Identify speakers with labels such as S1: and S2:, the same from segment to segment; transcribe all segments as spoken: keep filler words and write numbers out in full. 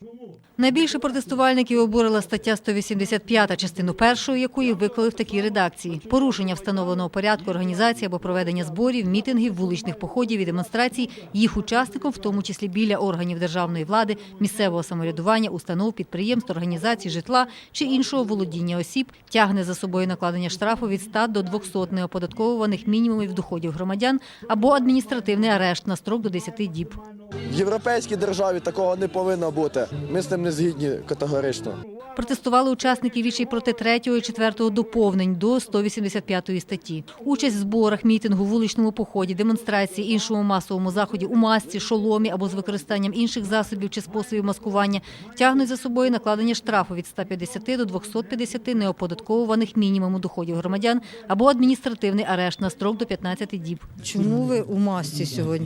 S1: Найбільше протестувальників обурила стаття сто вісімдесят п'ять, частину першої якої виклали в такій редакції. Порушення встановленого порядку організації або проведення зборів, мітингів, вуличних походів і демонстрацій їх учасникам, в тому числі біля органів державної влади, місцевого самоврядування, установ, підприємств, організацій, житла чи іншого володіння осіб, тягне за собою накладення штрафу від ста до двохсот неоподатковуваних мінімумів доходів громадян або адміністративний арешт на строк до десяти діб.
S2: В європейській державі такого не повинно бути. Ми з ним не згідні категорично.
S1: Протестували учасники вічі проти третього і четвертого доповнень до сто вісімдесят п'ятої статті. Участь в зборах, мітингу, вуличному поході, демонстрації, іншому масовому заході у масці, шоломі або з використанням інших засобів чи способів маскування тягнуть за собою накладення штрафу від ста п'ятдесяти до двохсот п'ятдесяти неоподатковуваних мінімуму доходів громадян або адміністративний арешт на строк до п'ятнадцяти діб.
S3: Чому ви у масці сьогодні?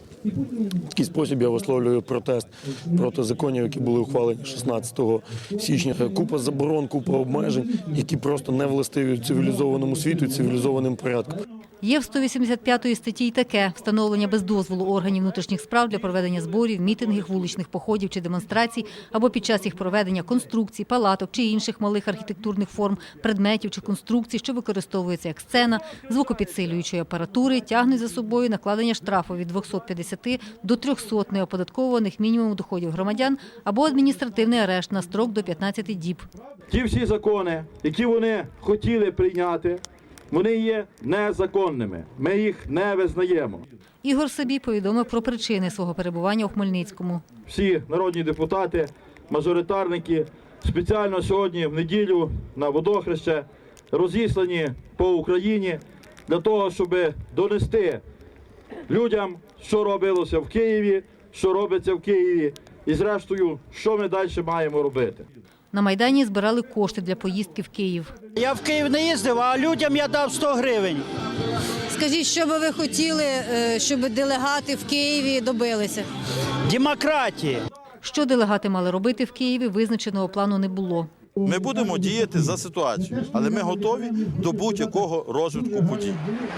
S4: В такий спосіб я висловлюю протест проти законів, які були ухвалені шістнадцятого січня. Купа заборон, купа обмежень, які просто не властиві цивілізованому світу і цивілізованим порядкам.
S1: Є в сто вісімдесят п'ятій статті й таке – встановлення без дозволу органів внутрішніх справ для проведення зборів, мітингів, вуличних походів чи демонстрацій або під час їх проведення конструкцій, палаток чи інших малих архітектурних форм, предметів чи конструкцій, що використовуються як сцена, звукопідсилюючої апаратури, тягнуть за собою накладення штрафу від двохсот п'ятдесяти до трьохсот неоподатковуваних мінімуму доходів громадян або адміністративний арешт на строк до п'ятнадцяти діб.
S5: Ті всі закони, які вони хотіли прийняти, вони є незаконними. Ми їх не визнаємо.
S1: Ігор Сабій повідомив про причини свого перебування у Хмельницькому.
S5: Всі народні депутати, мажоритарники спеціально сьогодні в неділю на водохреще розіслані по Україні для того, щоб донести людям, що робилося в Києві, що робиться в Києві і зрештою, що ми далі маємо робити.
S1: На Майдані збирали кошти для поїздки в Київ.
S6: Я в Київ не їздив, а людям я дав сто гривень.
S3: Скажіть, що би ви хотіли, щоб делегати в Києві добилися?
S6: Демократії.
S1: Що делегати мали робити в Києві, визначеного плану не було.
S7: Ми будемо діяти за ситуацією, але ми готові до будь-якого розвитку подій.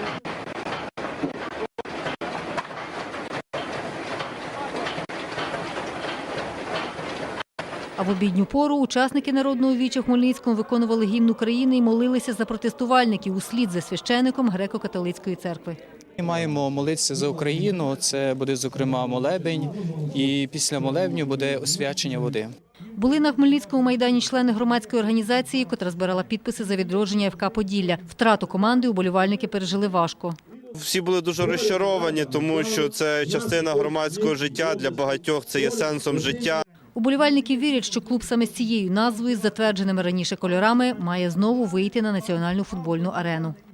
S1: А в обідню пору учасники Народного віча в Хмельницькому виконували гімн України і молилися за протестувальників услід за священиком греко-католицької церкви.
S8: Ми маємо молитися за Україну, це буде, зокрема, молебень, і після молебню буде освячення води.
S1: Були на Хмельницькому Майдані члени громадської організації, котра збирала підписи за відродження ФК «Поділля». Втрату команди уболівальники пережили важко.
S9: Всі були дуже розчаровані, тому що це частина громадського життя, для багатьох це є сенсом життя.
S1: Уболівальники вірять, що клуб саме з цією назвою, з затвердженими раніше кольорами, має знову вийти на національну футбольну арену.